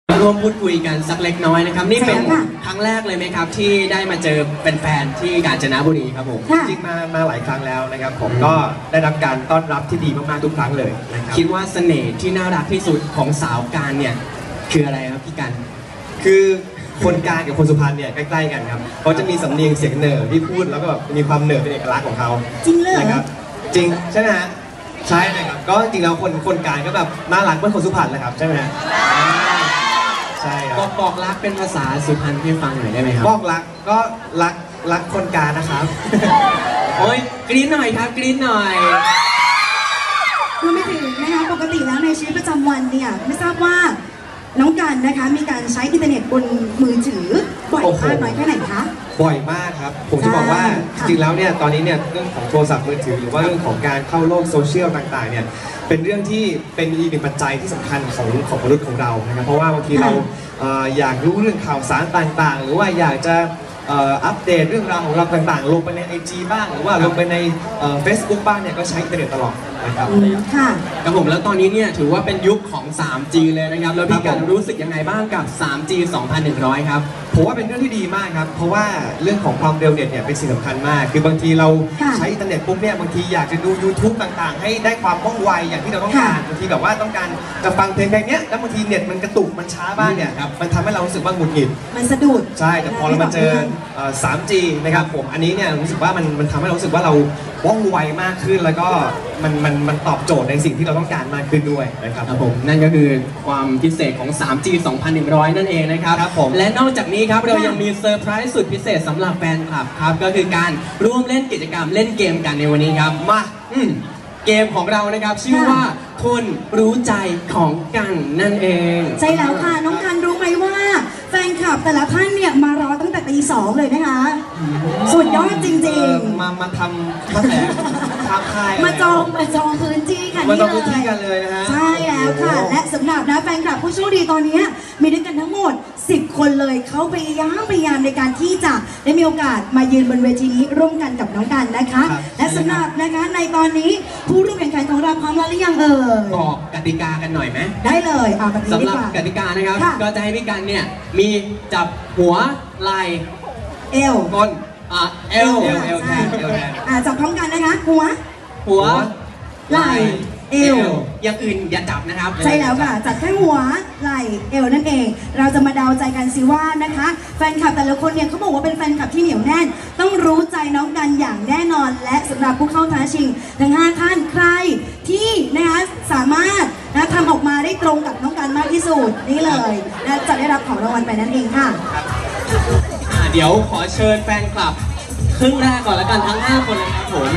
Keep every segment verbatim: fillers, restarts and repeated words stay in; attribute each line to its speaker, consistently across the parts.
Speaker 1: ร่วมพูดคุยกันสักเล็กน้อยนะครับนี่เป็นครั้งแรกเลยไหมครับที่ได้มาเจอเป็นแฟนที่กาญจนบุรีครับผม
Speaker 2: จริงๆมามาหลายครั้งแล้วนะครับผมก็ได้รับการต้อนรับที่ดีมากๆทุกครั้งเลยนะครับ
Speaker 1: คิดว่าเสน่ห์ที่น่ารักที่สุดของสาวกาญเนี่ยคืออะไรครับพี่กัน
Speaker 2: คือคนกาญกับคนสุพรรณเนี่ยใกล้ๆกันครับเขาจะมีสำเนียงเสียงเหน่อที่พูดแล้วก็แบบมีความเหน่อเป็นเอกลักษณ์ของเขา
Speaker 3: จริงเลย
Speaker 2: นะครับจริงใช่ไหมฮะใช่นะครับก็จริงแล้วคนคนกาญก็แบบน่ารักเหมือนคนสุพรรณเลยครับใช่ไหมฮะใช่ครับ
Speaker 1: บอกบอกรักเป็นภาษาสุพรรณพี่ฟังหน่อยได้ไหมครับ
Speaker 2: บอกรักก็รักรักคนกาญนะครับ
Speaker 1: โอ้ยกรี๊ดหน่อยครับกรี๊ดหน่อย
Speaker 3: รวมไปถึงนะคะปกติแล้วในชีวิตประจำวันเนี่ยไม่ทราบว่าน้องกันนะคะมีการใช้อินเทอร์เน็ตบนมือถือบ่อยมากน้อยแค่ไหนคะ
Speaker 2: บ่อยมากครับผมจะบอกว่าจริงๆแล้วเนี่ยตอนนี้เนี่ยเรื่องของโทรศัพท์มือถือหรือว่าเรื่องของการเข้าโลกโซเชียลต่างๆเนี่ยเป็นเรื่องที่เป็นอีกหนึ่งปัจจัยที่สำคัญของของมนุษย์ของเรานะครับเพราะว่าบางทีเราอยากรู้เรื่องข่าวสารต่างๆหรือว่าอยากจะอัปเดตเรื่องราวของเราต่างๆลงไปใน ไอ จี บ้างหรือว่าลงไปในเฟซบุ๊กบ้างเนี่ยก็ใช้อินเทอร์เน็ตตลอดนะครับ
Speaker 3: ค่ะ
Speaker 1: ครับผมแล้วตอนนี้เนี่ยถือว่าเป็นยุคของ ทรี จี เลยนะครับแล้วพี่กันรู้สึกยังไงบ้างกับ ทรี จี สองพันหนึ่งร้อยครับ
Speaker 2: ผมว่าเป็นเรื่องที่ดีมากครับเพราะว่าเรื่องของความเร็วเน็ตเนี่ยเป็นสิ่งสำคัญมากคือบางทีเราใช้อินเทอร์เน็ตปุ๊บเนี่ยบางทีอยากจะดู ยูทูบ ต่างๆให้ได้ความว่องไวอย่างที่เราต้องการบางทีแบบว่าต้องการจะฟังเพลงเพลงนี้แล้วบางทีเน็ตมันกระตุกมันช้าบ้างเนี่ยครับมันทำให้เรารู้สึกว่าหงุดหงิด
Speaker 3: มันสะดุด
Speaker 2: ใช่แต่พอเรามาเจอ ทรี จี นะครับผมอันนี้เนี่ยรู้สึกว่ามันมันทำให้เรารู้สึกว่าเราว่องไวมากขึ้นแล้วก็มันมันมันตอบโจทย์ในสิ่งที่เราต้องการมากขึ้นด้วยนะครับ
Speaker 1: ผมนั่นก็คือความพิเศษของ ทรี จี สองพันหนึ่งร้อย นั่นเองนะครับ
Speaker 2: ครับผม
Speaker 1: และนอกจากนี้ครับเรายังมีเซอร์ไพรส์สุดพิเศษสำหรับแฟนคลับครับก็คือการร่วมเล่นกิจกรรมเล่นเกมกันในวันนี้ครับมาอืมเกมของเรานะครับชื่อว่าคนรู้ใจของกันนั่นเอง
Speaker 3: ใช่แล้วค่ะน้องกันรู้ไหมว่าแฟนคลับแต่ละท่านเนี่ยมารอตั้งแต่ตีสองเลยนะคะสุดยอดจริง
Speaker 2: ๆมามาทำมาแสงทำค่าย
Speaker 3: มาจองมาจองพื้นที่กัน
Speaker 2: นี่เลยมาจองพื้นที่กันเลยนะฮะ
Speaker 3: ใช่แล้วค่ะและสำหรับนะแฟนคลับผู้โชคดีตอนนี้มีด้วยกันทั้งหมดสิบคนเลยเขาพยายามพยายามในการที่จะได้มีโอกาสมายืนบนเวทีนี้ร่วมกันกับน้องกันนะคะและสำหรับนะคะในตอนนี้ผู้ร่วมแข่งขันของเราพร้อมแล้วหรือยังเอ่ย
Speaker 1: บอกกติกากันหน่อยไหม
Speaker 3: ได้เลยเอาแบบนี้
Speaker 1: สำหรับกติกานะครับก็จะให้พี่กันเนี่ยมีจับหัวไหล่
Speaker 3: เอว
Speaker 1: ก้นอ่ะเอว
Speaker 2: เอวเอวแทนเอวแทน
Speaker 3: อ่ะจับพร้อมกันนะคะหัว
Speaker 1: หัว
Speaker 3: ไหล่เอว
Speaker 1: อย่างอื่นอย่าจับนะครับ
Speaker 3: ใช่แล้วค่ะจับแค่หัวไหล่เอวนั่นเองเราจะมาเดาใจกันสิว่านะคะแฟนคลับแต่ละคนเนี่ยเขาบอกว่าเป็นแฟนคลับที่เหนียวแน่นต้องรู้ใจน้องกันอย่างแน่นอนและสำหรับผู้เข้าท้าชิงทั้งห้าท่านใครที่นะคะสามารถนะทำออกมาได้ตรงกับน้องกันมากที่สุดนี่เลยนะจะได้รับของรางวัลไปนั่นเองค่ะ
Speaker 1: เดี๋ยวขอเชิญแฟนคลับครึ่งแรกก่อนละกันทั้งห้าคนเลยครับผม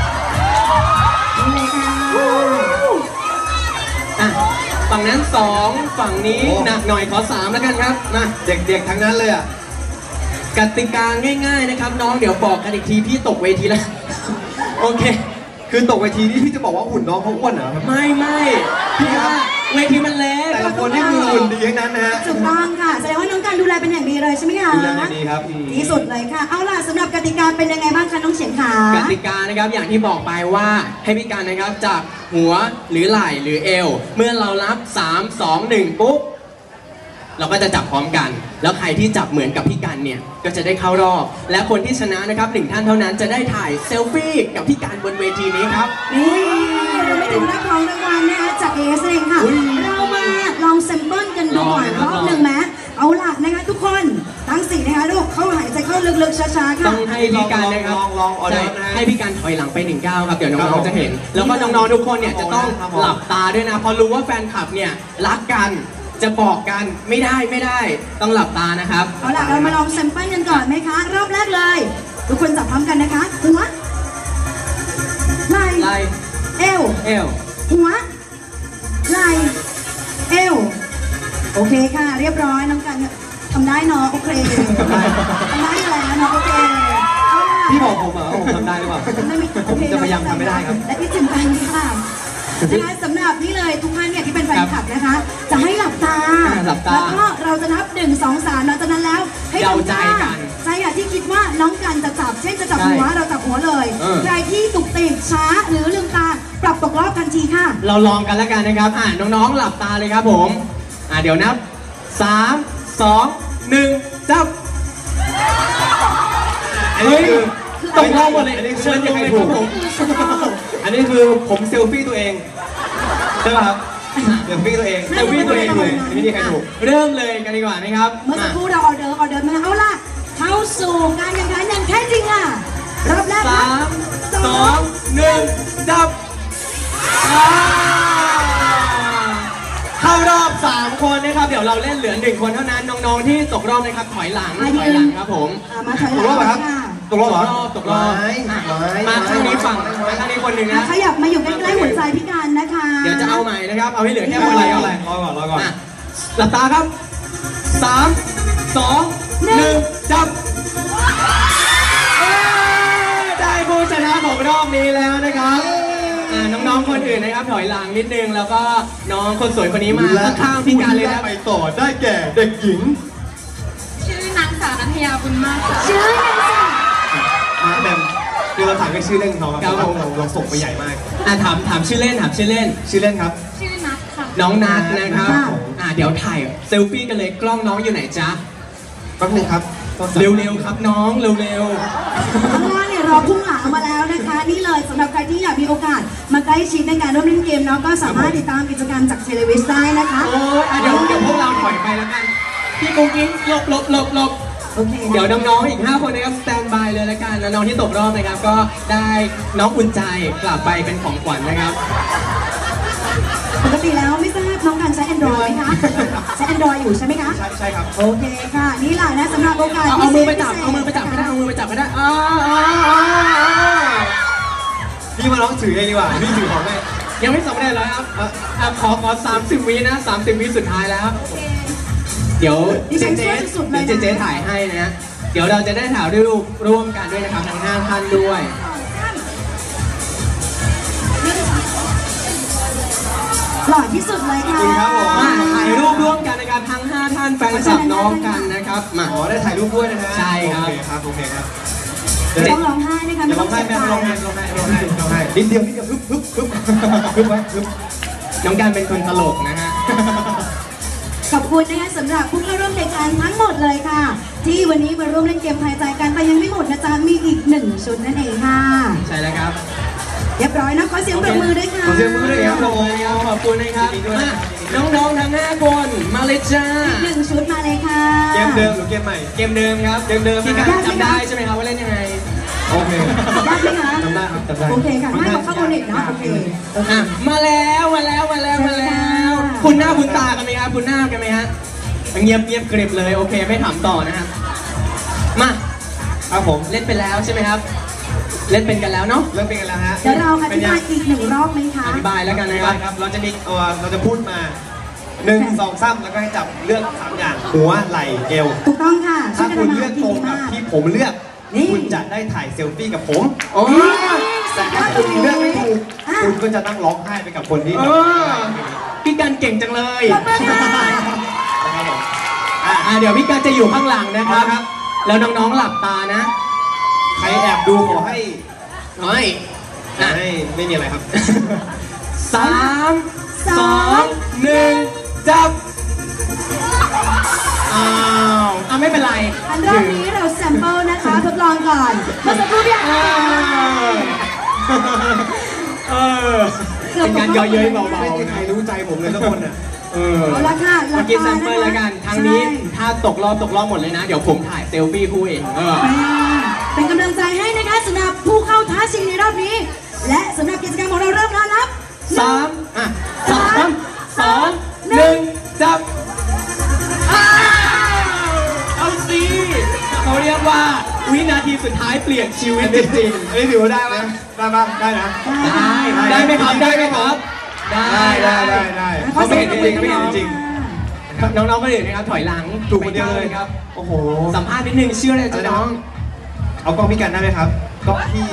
Speaker 3: นี่เลยค่ะ
Speaker 1: ฝั่งนั้นสองฝั่งนี้หนักหน่อยขอสามแล้วกันครับมา
Speaker 2: เด็กๆทั้งนั้นเลยอ่ะ
Speaker 1: กติกาง่ายๆนะครับน้องเดี๋ยวบอกกันอีกทีพี่ตกเวทีแล้วโอเค
Speaker 2: คือตกเวทีนี่พี่จะบอกว่าหุ่นน้องเขาอ้วนเหรอ
Speaker 1: ไม่ไม่พี่ว่าเวทีมันเล็ก
Speaker 2: แต่ละคนนี่คือหุ่นดีทั้งนั้นนะฮะ
Speaker 3: ถูกต้องค่ะแสดงว่าน้องการดูแลเป็นอย่างดีเลยใช่ไหมคะ
Speaker 2: ดูแลดีครับ
Speaker 3: ที่สุดเลยค่ะเอาล่ะสำหรับกติกาเป็นยังไงบ้างคะน้องเฉียงขาก
Speaker 1: ติกานะครับอย่างที่บอกไปว่าให้พี่การนะครับจับหัวหรือไหล่หรือเอวเมื่อเรานับสาม สอง หนึ่งปุ๊บเราก็จะจับพร้อมกันแล้วใครที่จับเหมือนกับพี่กันเนี่ยก็จะได้เข้ารอบและคนที่ชนะนะครับหนึ่งท่านเท่านั้นจะได้ถ่ายเซลฟี่กับพี่กันบนเวทีนี้ครับ
Speaker 3: นี่เราไม่ถึงรับของรางวัลนะคะจากเอสเองค่ะเรามาลองแซมเปิลกันดูก่อนรอบหนึ่งไหมเอาล่ะนะคะทุกคนตั้งสี่นะคะลูกเข้าหายใจเข้าลึกๆช้าๆค่ะ
Speaker 1: ต้องให้พี่กันนะครับให้พี่กันถอยหลังไปหนึ่งก้าวครับเดี๋ยวน้องๆจะเห็นแล้วก็น้องๆทุกคนเนี่ยจะต้องหลับตาด้วยนะพอรู้ว่าแฟนคลับเนี่ยรักกันจะบอกกันไม่ได้ไม่ได้ต้องหลับตานะครับ
Speaker 3: เอาล่ะเรามาลองแซมเปิลกันก่อนไหมคะรอบแรกเลยทุกคนจับพร้อมกันนะคะหัวไหล่
Speaker 1: ไหล่
Speaker 3: เอว
Speaker 1: เอว
Speaker 3: หัวไหล่เอวโอเคค่ะเรียบร้อยน้องกันทำได้เนาะโอเคทำได้แล้วเนาะโอเค
Speaker 2: พี่บอกผมเหรอผมทำได้หรือเปล่าผมจะพยายามทำไม่ได้ครับ
Speaker 3: และที่สำคัญค่ะนะคะสำหรับนี่เลยทุกท่านเนี่ยที่เป็นแฟนคลับนะคะจะให้หลับตาแล้วก็เราจะนับหนึ่งสองสามหลังจากนั้นแล้วให้
Speaker 1: เดาใจกัน
Speaker 3: ใจอ่ะที่คิดว่าน้องกันจะจับเช่นจะจับหัวเราจับหัวเลยใครที่ตุกติกช้าหรือลืมตาปรับตกรอบทันทีค่ะ
Speaker 1: เราลองกันแล้วกันนะครับอ่าน้องๆหลับตาเลยครับผมอ่าเดี๋ยวนับสามสองหนึ่งจับ
Speaker 2: อันนี้คือ
Speaker 1: ตกรอบหมดเลย
Speaker 2: อันนี้คือ
Speaker 1: เชิญ
Speaker 2: ไม่
Speaker 1: ยัง
Speaker 2: มี
Speaker 1: ไง
Speaker 2: ใคร
Speaker 1: ค
Speaker 2: ถู
Speaker 1: รับ
Speaker 2: ก
Speaker 1: ผม
Speaker 2: อันนี้คือผมเซลฟี่ตัวเองใช่ป่ะครับเซลฟี่ตัวเอง
Speaker 1: เซลฟี่ตัวเองเลย
Speaker 2: ไม่มีใครถูก
Speaker 1: เริ่มเลยกันดีกว่านะครับ
Speaker 3: เมื่อสักครู่เราออเดอร์ออเดอร์มาเอาล่ะเข้าสู่การแข่งขันอย่างแท้จริงอ่ะรอบแรก
Speaker 1: สามสองหนึ่งจับอ่าเข้ารอบสามคนนะครับ เดี๋ยวเราเล่นเหลือหนึ่งคนเท่านั้นน้องๆที่ตกรอบนะครับถอยหลังถอยหลังครับผม
Speaker 3: อ่ะมาถอยห
Speaker 2: ต
Speaker 3: ลั
Speaker 2: กรอบเหรอครับ
Speaker 3: ค่ะ
Speaker 2: ตกรอบเหรอ
Speaker 1: ตกรอบ
Speaker 2: ไม้
Speaker 1: อ่ะ
Speaker 2: ไม้
Speaker 1: มาข้างนี้ฝั่งมาข้างนี้คนหนึ่ง
Speaker 3: อ่ะ
Speaker 1: นะ
Speaker 3: ขยับมาอยู่ใกล้ๆหัวใจพี่การนะคะ
Speaker 1: เดี๋ยวจะเอาใหม่นะครับ เอาให้เหลือแค่
Speaker 2: ไม่
Speaker 1: คน
Speaker 2: เป็นไร
Speaker 1: เดียว
Speaker 2: ไม่เป็นไรรอก่อนรอก่อน
Speaker 1: อ่ะหลับตาครับสามสองหนึ่งจับเอ้ยได้ผู้ชนะของรอบนี้แล้วนะครับอ่าน้องๆคนอื่นนะครับถอยหลังนิดนึงแล้วก็น้องคนสวยคนนี้มาข้างๆพี่การเลยนะ
Speaker 2: ไปต่อได้แก่เด็กหญิง
Speaker 4: ชื่อนางสาวนัทยาบุญมากค่ะ
Speaker 3: ชื่อยังสิ
Speaker 2: มาแบมคือเราถามแค่ชื่อเล่นเขาครับ
Speaker 1: ครับ
Speaker 2: เราเราเราส่งไปใหญ่มาก
Speaker 1: อ่ะถามถามชื่อเล่นถามชื่อเล่น
Speaker 2: ชื่อเล่นครับ
Speaker 4: ชื่อนัทค่ะ
Speaker 1: น้องนัทนะครับ
Speaker 2: ครับผม
Speaker 1: อ่าเดี๋ยวถ่ายเซลฟี่กันเลยกล้องน้องอยู่ไหนจ๊ะ
Speaker 2: แป๊บนึงครับ
Speaker 1: เร็วๆครับน้องเร็ว
Speaker 3: ข้างล่างเนี่ยรอพุ่งหลังมาแล้วนะคะ นี่เลยสำหรับใครที่อยากมีโอกาสมาใกล้ชิดในการร่วมเล่นเกมเนาะก็สามารถติดตามกิจกรรมจากเทเลวิสได้นะคะ
Speaker 1: ๆโอ้ยอ่ะเดี๋ยวเดี๋ยวพวกเราถอยไปแล้วกันพี่กุ้งกิ้งหลบหลบหลบหลบ
Speaker 3: โอเค
Speaker 1: เดี๋ยวน้องๆอีกห้าคนนะครับสแตนบายเลยแล้วกันแล้วน้องที่ตกรอบนะครับก็ได้น้องอุ่นใจกลับไปเป็นของขวัญนะครับ
Speaker 3: ปกติแล้วไม่ทราบน้องการใช้ Android ไหมคะ ใช้ Android อยู่ใช่ไหมคะ
Speaker 2: ใช่ใช่ครับ
Speaker 3: โอเคค่ะ นี่แหละนะสำหรับโอกาส
Speaker 1: เอา
Speaker 3: พิ
Speaker 1: เอา
Speaker 3: เศษ
Speaker 1: มือไปจับ
Speaker 3: พิศษ
Speaker 1: เอามือไปจับก็ได้เอามือไปจับก็ได้อ้าวอ้าวอ้าว
Speaker 2: พี่มาลองถือเองดีกว่า พี่ถือของให้
Speaker 1: ยังไม่สำเร็จเลยครับอ่ะอ่ะขอขอสามสิบวินะสามสิบวิสุดท้ายแล้ว เดี๋ยว
Speaker 3: ดิ
Speaker 1: เจ
Speaker 3: ฉัน
Speaker 1: เจ
Speaker 3: ช่วยสุดๆเลย
Speaker 1: เดี๋ยว
Speaker 3: นะ
Speaker 1: เจเจถ่ายให้นะ เดี๋ยวเราจะได้ถ่ายรูปร่วมกันด้วยนะครับทั้งห้าท่านด้วย
Speaker 3: หล่อที่สุดเลยค่ะ
Speaker 2: จริงครับผม
Speaker 1: มาถ่ายรูปร่วมกันนะครับทั้งห้าท่านแฟนคลับน้องกันนะครับมา
Speaker 2: อ๋อได้ถ่ายรูปด้วยนะฮะ
Speaker 1: ใช่ครับ
Speaker 2: โอเคครับ โอเคครับ
Speaker 3: ต้องร้องไห้นะคะ
Speaker 2: อย่าร้องไห้
Speaker 3: เจ็
Speaker 2: แม่
Speaker 3: บ
Speaker 2: ร้องไห้ร้องไห้ร้องไห้ร้องไห้นิดเดียวนิดเดียวฮึบฮึบฮึบฮึบไว้ฮึบ
Speaker 1: น้องการเป็นคนตลกนะฮะ
Speaker 3: ขอบคุณนะคะสำหรับผู้เข้าร่วมรายการทั้งหมดเลยค่ะ ที่วันนี้มาร่วมเล่นเกมทายใจกันแต่ยังไม่หมดนะจ๊ะมีอีกหนึ่งชุดนั่นเองค่ะ
Speaker 1: ใช่แล้วครับ
Speaker 3: เรียบร้อยนะขอเสียงปรบมือด้วยค่ะ
Speaker 2: ขอเสียงปรบมือด้วยครับ
Speaker 1: ขอบคุณครับขอบคุณนะครับ
Speaker 2: ยินดีด้วย
Speaker 1: อ่ะ
Speaker 2: นะครับ
Speaker 1: น้องๆทั้งห้าคนมาเลยจ้า
Speaker 3: อีกหนึ่งชุดมาเลยค่ะ
Speaker 2: เกมเดิมหรือเกมใหม่
Speaker 1: เกมเดิมครับ
Speaker 2: เกมเดิม
Speaker 1: พี่การ
Speaker 2: นะ
Speaker 1: จำได้ใช่ไหมครับว่าเล่นยังไง
Speaker 2: โอเค
Speaker 3: ได้ไหมคะ
Speaker 2: จำได้ครับจำได้
Speaker 3: โอเคค่ะให้เขาเข้าโอเน็ตนะโอเคโอเค
Speaker 1: อ่ะมาแล้วมาแล้วมาแล้วมาแล้ว คุณหน้าคุณตากันไหมครับคุณหน้ากันไหมฮะเงียบเงียบกริบเลยโอเคไม่ถามต่อนะครับมา
Speaker 2: ครับผม
Speaker 1: เล่นไปแล้วใช่ไหมครับ เล่นเป็นกันแล้วเนาะ
Speaker 2: เริ่มเป็นกันแล้วฮะ
Speaker 3: เดี๋ยวเราอ
Speaker 2: เป็
Speaker 3: ธิ
Speaker 2: นยั
Speaker 3: บาง ยอีกหนึ่งรอบไหมคะ
Speaker 1: อธิบายแล้วกัน
Speaker 2: นะ
Speaker 1: นะ
Speaker 2: ค
Speaker 1: ค
Speaker 2: รั
Speaker 1: รั
Speaker 2: บบ ครับ เราจะมีเอ่อเราจะพูดมาหนึ่งสองสามแล้วก็ให้จับเลือกสามอย่างหัวไหล่เอว
Speaker 3: ถูกต้องค่ะช่
Speaker 2: ถ้า
Speaker 3: วยกัน
Speaker 2: คุณ
Speaker 3: ทำ
Speaker 2: เลื
Speaker 3: อา
Speaker 2: อก
Speaker 3: หาร
Speaker 2: ตรง
Speaker 3: ดี
Speaker 2: กับ
Speaker 3: มาก
Speaker 2: ที่ผมเลือก
Speaker 3: นี่
Speaker 2: คุณจะได้ถ่ายเซลฟี่กับผม
Speaker 1: โอ้
Speaker 2: แต่ถ้าคุณเลือกไม่ถูกคุณก็จะต้องร้องไห้ไปกับคนที่
Speaker 1: เอ
Speaker 2: แบบ
Speaker 1: อพี่การเก่งจังเลย
Speaker 3: ขอบคุณค่ะ
Speaker 2: นะครับผม
Speaker 1: อ่ะอ่ะเดี๋ยวพี่การจะอยู่ข้างหลังนะครับ
Speaker 2: ครับ
Speaker 1: แล้วน้องๆหลับตานะ
Speaker 2: ใครแอบดูขอให้
Speaker 1: น้อย
Speaker 2: ขอให้ไม่มีอะไรครับ
Speaker 1: สามสองหนึ่งจับอ้าวอ่ะไม่เป็นไร
Speaker 3: อันรอบนี้เราแซมเปิลนะคะทดลองก่อนเมื่อสักครู่เนี่ย
Speaker 1: เออเออเป็นการเย่อเย้ยเบา
Speaker 2: ไม่
Speaker 1: ๆ
Speaker 2: มีใคร
Speaker 1: นะ
Speaker 2: รู้ใจผมเลยทุกคนอ่ะ
Speaker 1: เออ
Speaker 3: เอาละค่ะหลั
Speaker 1: เมื่
Speaker 3: บ
Speaker 1: อกี้
Speaker 3: ตา
Speaker 1: แซมเปิลแล้วกันทางนี้ถ้าตกรอบตกรอบหมดเลยนะ เดี๋ยวผมถ่ายเซลฟี่คู่เองเออ
Speaker 3: เป็นกำลังใจให้นะคะสำหรับผู้เข้าท้าชิงในรอบนี้ และสำหรับกิจกรรมของเราเริ่มแล้วนับ
Speaker 1: สามอ่ะสามสองหนึ่งจับอ้าวเอาสิเขาเรียกว่าวินาทีสุดท้ายเปลี่ยนชีวิตจริง
Speaker 2: อันนี้ถือว่าได้ไหมได้ปะได้นะ
Speaker 1: ๆได้ได้ไหมครับได้ไหมครับ
Speaker 2: ได้ได้ได้ได้
Speaker 1: เขาไม่เห็นจริง
Speaker 2: ไม่เห็นจริง
Speaker 1: น้องๆก็เลยนะครับถอยหลัง
Speaker 2: ถูกคนเดียวเลย
Speaker 1: ครับ
Speaker 2: โอ้โห
Speaker 1: สัมภาษณ์นิดนึงชื่ออะไรจ๊ะน้อง
Speaker 2: เอากล้องพี่กันได้ไหมครับกล้องพี่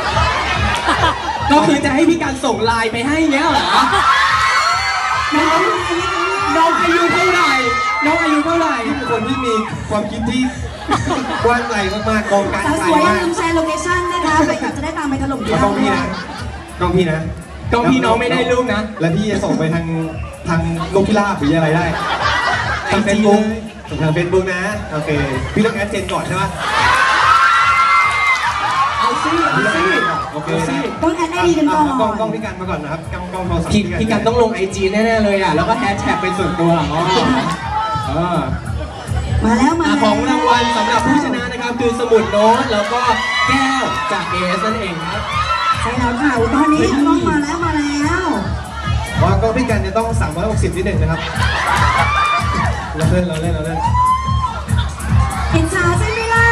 Speaker 1: ก็คือจะให้พี่การส่งไลน์ไปให้เงี้ยเหรอ
Speaker 3: น้อง
Speaker 1: น้องอายุเท่าไหร่ น้องอายุเท่าไหร่
Speaker 2: พี่เป็นคนที่มีความคิดที่ กว้างไกลมากๆกองการ
Speaker 3: สาว
Speaker 2: ไก
Speaker 3: ส
Speaker 2: ล
Speaker 3: วยอย่าม
Speaker 2: าก
Speaker 3: ลืมแชร์โลเคชั่นนะคะไปกับจะได้ตามไปถล่มที่
Speaker 2: เอากล้องพี่นะกล้องพี่นะ
Speaker 1: กล้องพี่น้องไม่ได้รูปนะ
Speaker 2: แล้วพี่จะส่งไปทางทางนกพิราบหรืออะไรได้ทางเฟซบุ๊กทางเฟซบุ๊กนะโอเคพี่ต้องแอดเจนก่อนใช่ไหม
Speaker 1: เอาสิเอาสิ
Speaker 2: โอเค
Speaker 1: เอาสิ
Speaker 3: ต้องแอดไอดีกันก่อน
Speaker 2: กล้องกล้องพี่กันมาก่อนนะครับกล้องกล้องโทรศัพท์
Speaker 1: พี่พี่กันต้องลงไอจีแน่ๆเลยอ่ะแล้วก็แฮชแท็กเป็นส่วนตัวอ๋อเออ
Speaker 3: มาแล้วมา
Speaker 1: อ่ะ
Speaker 3: แล้ว
Speaker 1: ของรางวัลสำหรับผู้ชนะนะครับคือสมุดโน้ตแล้วก็แก้วจาก เอ เอส นั่นเองครับ
Speaker 3: ใช่แล้วค่ะตอนนี้กล้องมาแล้วมาแล้ว
Speaker 2: ว่ากล้องพี่กันจะต้องสามร้อยหกสิบนิดหนึ่งนะครับเราเล่นเราเล่นเราเล่น
Speaker 3: เห็นช้าใช่ไหมล่ะ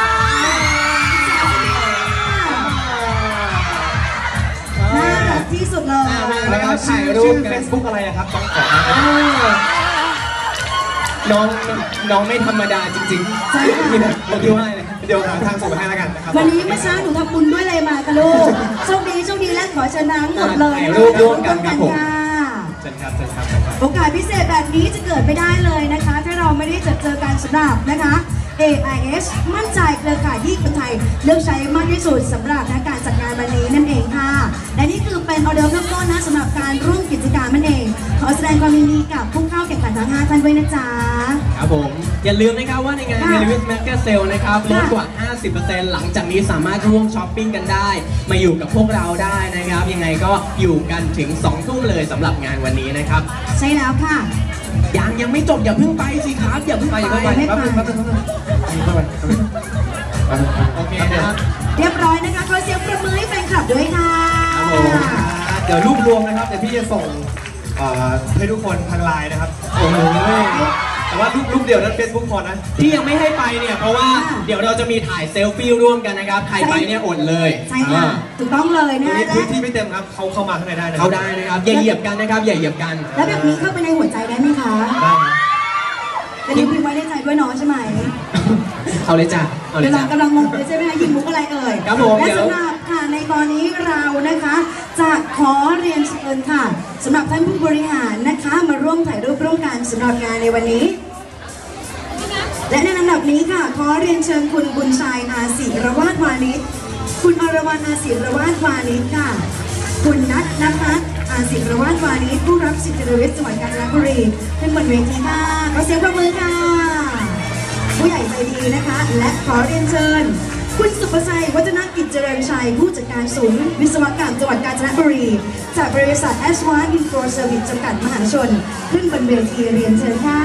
Speaker 3: น่ารักที่สุดเลย
Speaker 2: แล้วก็ถ่ายรูปเฟซบุ๊กอะไรอะครับต้องขอ
Speaker 1: เออน้องน้องไม่ธรรมดาจริงๆ
Speaker 3: ใช่ค่ะ
Speaker 1: นี่นะผมคิดว่าอะไร
Speaker 2: เดี๋ยวหาทางส่งไปให้แล้วกันนะครับ
Speaker 3: วันนี้เมื่อเช้าหนูทำบุญด้วยอะไรมาคะลูกโชคดีโชคดีและขอเชิญน้ำหมดเลย
Speaker 1: ถ่ายรูปร่วมกันครับผม
Speaker 3: ค่ะ
Speaker 2: เชิญครับเชิญครับเชิญครับ
Speaker 3: โอกาสพิเศษแบบนี้จะเกิดไม่ได้เลยนะคะ ถ้าเราไม่ได้เจอเจอกันสำหรับนะคะ เอ ไอ เอส มั่นใจเครือข่ายที่คนไทยเลือกใช้มากที่สุดสำหรับนะการจัดงานวันนี้นั่นเองค่ะและนี่คือเป็นออเดอร์เริ่มต้นนะสำหรับการร่วมกิจกรรมนั่นเองขอแสดงความยินดีกับผู้เข้าแข่งขันทั้งห้าท่านด้วยนะจ๊ะ
Speaker 1: ครับผมอย่าลืมนะครับว่าในงาน
Speaker 3: ค่ะ
Speaker 1: เฮลิวิสแมกเกอร์เซลนะครับลดกว่า ห้าสิบเปอร์เซ็นต์ หลังจากนี้สามารถร่วมช้อปปิ้งกันได้ มาอยู่กับพวกเราได้นะครับ ยังไงก็อยู่กันถึงสองทุ่มเลยสำหรับงานวันนี้นะครับ
Speaker 3: ใช่แล้วค่ะ
Speaker 1: ยังยังไม่จบอย่าเพิ่งไปสิครับอย่าเพิ่งไปอย่าเพิ่งไป
Speaker 3: ไม่ไป
Speaker 2: แป๊บนึงแป๊บนึงแป๊บนึงแป๊บนึงแป๊บนึง
Speaker 1: โอเคนะครับ
Speaker 3: เรียบร้อยนะคะขอเสียงประมือให้แฟนคลับด้วยค่ะ
Speaker 2: ครับผมเดี๋ยวรูปรวมนะครับเดี๋ยวพี่จะส่งเอ่อให้ทุกคนทางไลน์นะครับโอ้โหแต่ว่ารูปรูปเดียวนั้นเฟซบุ๊กพอนะ
Speaker 1: ที่ยังไม่ให้ไปเนี่ยเพราะว่า
Speaker 3: ค่ะ
Speaker 1: เดี๋ยวเราจะมีถ่ายเซลฟี่ร่วมกันนะครับใครไปเนี่ยอดเลย
Speaker 3: ใช่ค่ะ ถูกต้องเลย
Speaker 2: ตรง
Speaker 3: นะ
Speaker 2: นี้
Speaker 3: และ
Speaker 2: พื้นที่ไม่เต็มครับเขาเข้ามาข้างในได้นะ
Speaker 1: เขาได้นะครับอย่าเหยียบกันนะครับอย่าเหยียบกัน
Speaker 3: แล้วแบบนี้เข้าไปในหัวใจได้ไหมคะ
Speaker 2: ได้ครับ
Speaker 3: เป็นนิ้วพิมพ์ไว้ในใจด้วยเน้องใช่ไหม
Speaker 1: เอาเลยจ้ะเอาเลย
Speaker 3: กำลั
Speaker 1: จ้ะ
Speaker 3: งกำลังงงเลยใช่ไหมคะยิงมุกอะไรเอ่ย
Speaker 1: ครับผม
Speaker 3: และ
Speaker 1: เดี๋ยว
Speaker 3: สำหรับค่ะในตอนนี้เรานะคะ จะขอเรียนเชิญค่ะสำหรับท่านผู้บริหารนะคะ มาร่วมถ่ายรูปร่วมกันสำหรับงานในวันนี้ และในลำดับนี้ค่ะ ขอเรียนเชิญคุณบุญชัยอาศิรวาทวานิชคุณอรวรรณอาศิรวาทวานิชค่ะ คุณนัทนภัสอาศิรวาทวานิชผู้รับสิทธิเดวิสจังหวัดกาญจนบุรีขึ้นบนเวทีค่ะขอเสียงปรบมือค่ะ ผู้ใหญ่ใจดีนะคะ และขอเรียนเชิญ คุณสุภชัยวัฒนกิจเจริญชัย ผู้จัดการศูนย์วิศวกรรมจังหวัดกาญจนบุรี จากบริษัท เอส วัน Info Service จำกัดมหาชน ขึ้นบนเวทีเรียนเชิญค่ะ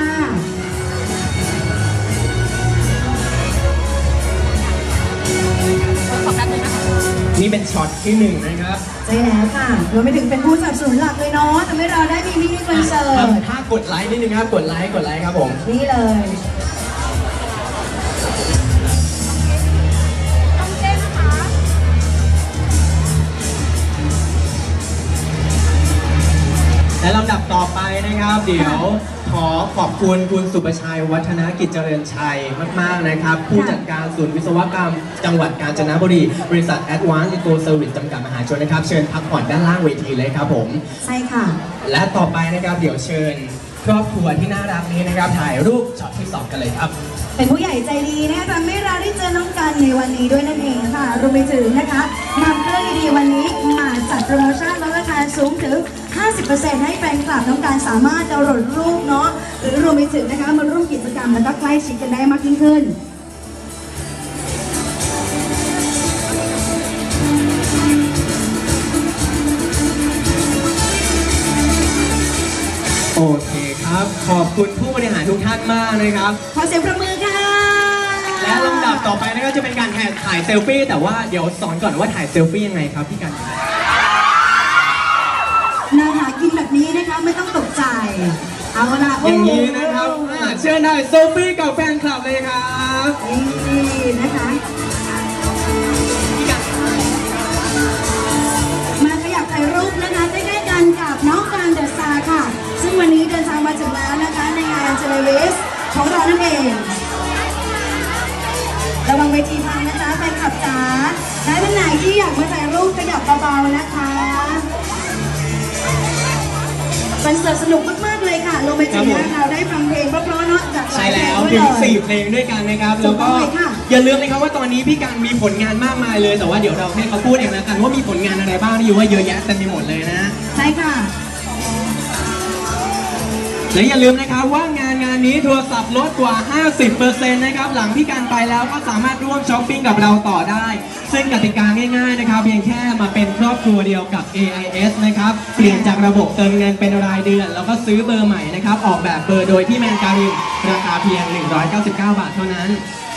Speaker 1: นี่เป็นช็อตที่หนึ่งนะครับ
Speaker 3: ใช่แล้วค่ะรวมไปถึงเป็นผู้สนับสนุนหลักเลยเนาะทำให้เราได้มีมินิคอนเสิร์ต
Speaker 1: ถ้ากดไลค์นิดนึงครับ กดไลค์ กดไลค์ครับผม
Speaker 3: นี่เลย
Speaker 1: และลำดับต่อไปนะครับ เดี๋ยวขอขอบคุณคุณสุประชัยวัฒนกิจเจริญชัยมากๆนะครับ ผู้จัดการศูนย์วิศวกรรม จังหวัดกาญจนบุรี บริษัท Advanced Info Service จำกัดมหาชนนะครับ เชิญพักผ่อนด้านล่างเวทีเลยครับผม
Speaker 3: ใช่ค่ะ
Speaker 1: และต่อไปนะครับเดี๋ยวเชิญครอบครัวที่น่ารักนี้นะครับ ถ่ายรูปช็อตที่สองกันเลยครับ
Speaker 3: เป็นผู้ใหญ่ใจดีนะคะทำให้เราได้เจอน้องกันในวันนี้ด้วยนั่นเองค่ะ รวมไปถึงนะคะนำเครื่องดีๆวันนี้มาจัดโปรโมชั่นลดราคาสูงถึง ห้าสิบเปอร์เซ็นต์ ให้แฟนคลับน้องการสามารถดาวน์โหลดรูปเนาะ หรือรวมไปถึงนะคะมาร่วมกิจกรรมแล้วก็ใกล้ชิดกันได้มากยิ่งขึ้น
Speaker 1: โอเคครับ ขอบคุณผู้บริหารทุกท่านมากนะครับ
Speaker 3: ขอเสียงประมือค่ะ
Speaker 1: และลำดับต่อไปนะครับจะเป็นการถ่ายเซลฟี่แต่ว่าเดี๋ยวสอนก่อนว่าถ่ายเซลฟี่ยังไงครับพี่กัน
Speaker 3: นาหากินแบบนี้นะคะไม่ต้องตกใจ เอาละ
Speaker 1: อย่างนี้นะครับอ่าเชิญได้เซลฟี่กับแฟนคลับเลยครับ
Speaker 3: นี่นะคะ
Speaker 1: พี่กัน
Speaker 3: มาขยับถ่ายรูปนะคะใกล้ๆกันกับน้องการเดอะสตาร์ค่ะ ซึ่งวันนี้เดินทางมาถึงแล้วนะคะในงานเจเลวิสของเรานั่นเองระวังเวทีพังนะจ๊ะแฟนคลับจ๋าใครท่านไหนที่อยากมาถ่ายรูปขยับเบาๆนะคะคอนเสิร์ตสนุกมากๆเลยค่ะลงไปถึงนะคะเราได้ฟังเพลงเพราะๆเนาะจากหลา
Speaker 1: ใช่
Speaker 3: ยเพล
Speaker 1: แล้
Speaker 3: ง
Speaker 1: ว
Speaker 3: ด้วย
Speaker 1: ถึ
Speaker 3: เล
Speaker 1: ง
Speaker 3: ย
Speaker 1: สี่เพลงด้วยกันนะครับแล้วก็
Speaker 3: ถูกต้องเลยค่ะ
Speaker 1: อย่าลืมนะครับว่าตอนนี้พี่กันมีผลงานมากมายเลย แต่ว่าเดี๋ยวเราให้เขาพูดเองแล้วกันว่ามีผลงานอะไรบ้างนี่อยู่ว่าเยอะแยะเต็มไปหมดเลยนะ
Speaker 3: ใช่ค่ะ
Speaker 1: และอย่าลืมนะครับว่างานนงานนี้โทรศัพท์ลดกว่า ห้าสิบเปอร์เซ็นต์ นะครับหลังพี่การไปแล้วก็สามารถร่วมช้อปปิ้งกับเราต่อได้ซึ่งกติกาง่ายๆนะครับเพียงแค่มาเป็นครอบครัวเดียวกับ เอ ไอ เอส นะครับเปลี่ยนจากระบบเติมเงินเป็นรายเดือนแล้วก็ซื้อเบอร์ใหม่นะครับออกแบบเบอร์โดยที่แมนการินราคาเพียงหนึ่งร้อยเก้าสิบเก้าบาทเท่านั้น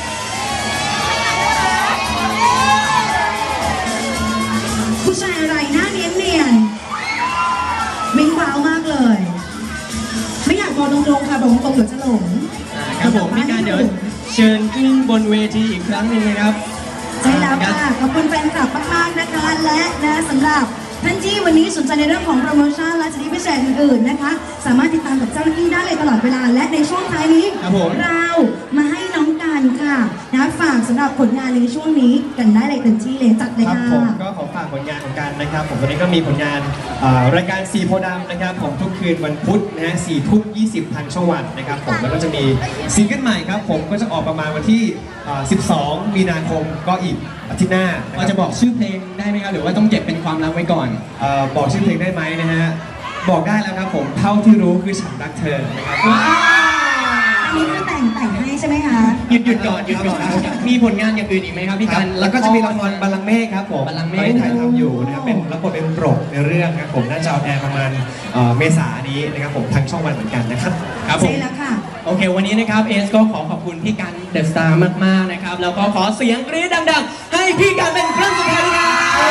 Speaker 3: ผู้ชายอะไรหน้าเนียนเนียนๆมิ้งว้าวมากเลย ไม่อยากบอกตรงๆค่ะบอกตรงๆเดี๋ยวจะหลง
Speaker 1: ครับผมพี่การเดี๋ยวเชิญขึ้นบนเวทีอีกครั้งหนึ่งนะครับ
Speaker 3: ใช่แล้วค่ะขอบคุณแฟนคลับมากๆนะคะและนะสำหรับท่านที่วันนี้สนใจในเรื่องของโปรโมชั่นและสิทธิพิเศษอื่นๆนะคะสามารถติดตามกับเจ้าหน้าที่ได้เลยตลอดเวลาและในช่วงท้ายนี้เรามาให้น้องกันค่ะนะฝากสำหรับผลงานในช่วงนี้กันได้เลยเต็มที่เลยจัดเลยค่ะ
Speaker 2: ครับผมก็ขอฝากผลงานของกันนะครับผมตอนนี้ก็มีผลงานรายการสีโพธิ์ดำนะครับผมทุกคืนวันพุธนะฮะสี่ทุ่มยี่สิบทางช่องวันนะครับผมแล้วก็จะมีซิงเกิลใหม่ครับผมก็จะออกประมาณวันที่สิบสองมีนาคมก็อีกอาทิตย์หน้า
Speaker 1: เราจะบอกชื่อเพลงได้ไหมครับหรือว่าต้องเก็บเป็นความลับไว้ก่อน
Speaker 2: เอ่อบอกชื่อเพลงได้ไหมนะฮะบอกได้แล้วครับผมเท่าที่รู้คือฉันรักเธอนะครับ
Speaker 3: อันนี้คือแต่งแต่งให้ใช่ไหมคะ
Speaker 1: หยุดหยุดก่อนหยุดก่อนมีผลงานอย่างอื่นอีกไหมครับพี่กัน
Speaker 2: แล้วก็จะมีละครบัลลังก์เมฆครับผม
Speaker 1: บัลลังก์เมฆ
Speaker 2: ที่ถ่ายทำอยู่นะครับเป็นรับบทเป็นโปรดในเรื่องครับผมน่าจะออนแอร์ประมาณเมษายนนี้นะครับผมทางช่องวันเหมือนกันนะครับ
Speaker 1: ครับผม
Speaker 3: ใช่แล้วค่ะ
Speaker 1: โอเควันนี้นะครับเอสก็ขอขอบคุณพี่กันเดอะสตาร์มากๆนะครับแล้วก็ขอเสียงกรี๊ดดังๆให้พี่กันเป็นครั้งสุดท้ายครับ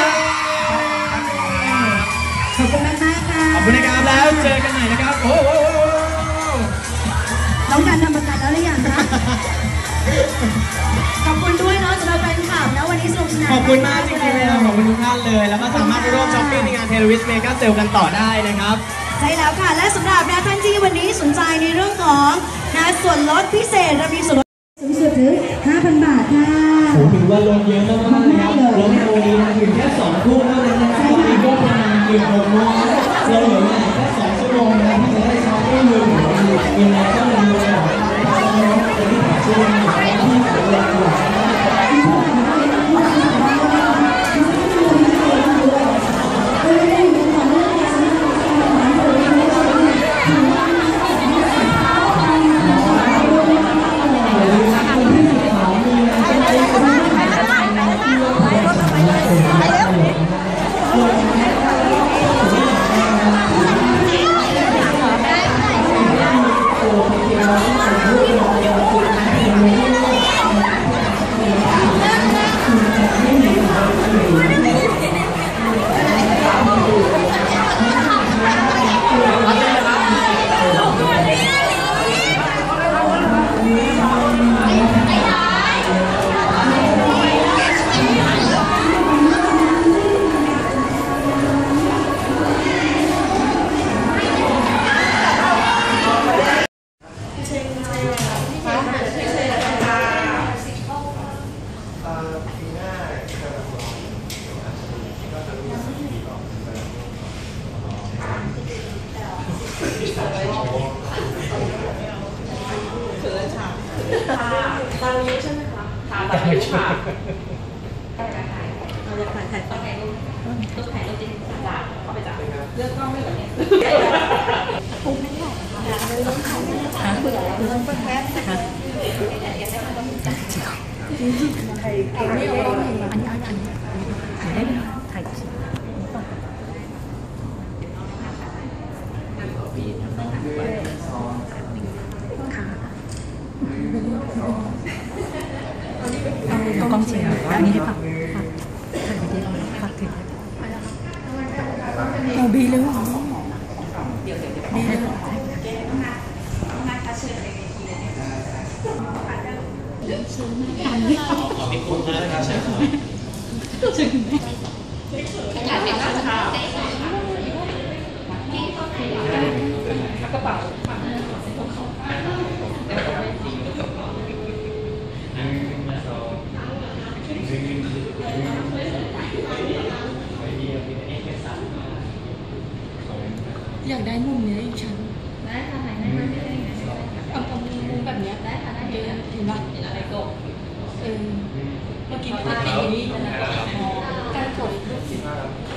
Speaker 3: ขอบคุณมากมากค่ะ
Speaker 1: ขอบคุณนะครับแล้วเจอกันใหม่นะครับโอ้โห
Speaker 3: น้องกันทำประกันแล้วหรือยังคะขอบคุณด้วยเนาะสำหรับแฟนคลับนะวันนี้สนุกสนาน
Speaker 1: ขอบคุณมากจริงๆเลยขอบคุณทุกท่านเลยแล้วก็สามารถไปร่วมช้อปปิ้งในงานเทเลวิสเมกาเซลกันต่อได้นะครับ
Speaker 3: ใช่แล้วค่ะและสำหรับนะท่านที่วันนี้สนใจในเรื่องของนะส่วนลดพิเศษเรามีส่วนลดสูงสุดถึง ห้าพัน บาทค่ะ
Speaker 1: โอ้ถือว่าลดเยอะมากๆเลยครับลดในวันนี้นะถึงแค่สองทุ่มเท่านั้นนะครับตอนนี้ก็ประมาณเกือบหกโมงเราเหลือเวลาแค่สองชั่วโมงนะที่จะได้ช้อปปิ้งเงินเงินในช่องเงินเลยจะที่ผ่านช่วงนี้ที่เสียเวลาอยู่
Speaker 4: ตอนนี้ใช่ไหมคะค่ะตอนนี้ค่ะเราจะถ่ายถ่ายต้องไงรูปรูปถ่ายรูปจริงจ้ะเข้าไปจ้ะเลือกกล้องไม่เหมือนเนี่ยคงไม่ได้ค่ะเรื่องถ่ายนะคะเบื่อแล้วเรื่องแป๊บนะคะถ่ายไม่ออกอันนี้อันนี้อันนี้ถ่ายได้ไหมถ่ายเอากล้องเสียอันนี้ให้ฝากฝากถ่ายวิดีโอฝากถึงโอ้บีเลยเหรอบีเลยเหรอกระเป๋าอยากได้มุมนี้อีกชั้นได้ค่ะไหนได้ไหมไม่ได้ไงเอาเอามุมแบบนี้ได้ค่ะได้เห็นเห็นป่ะเห็นอะไรก็เออเมื่อกี้มันตีนี่การกด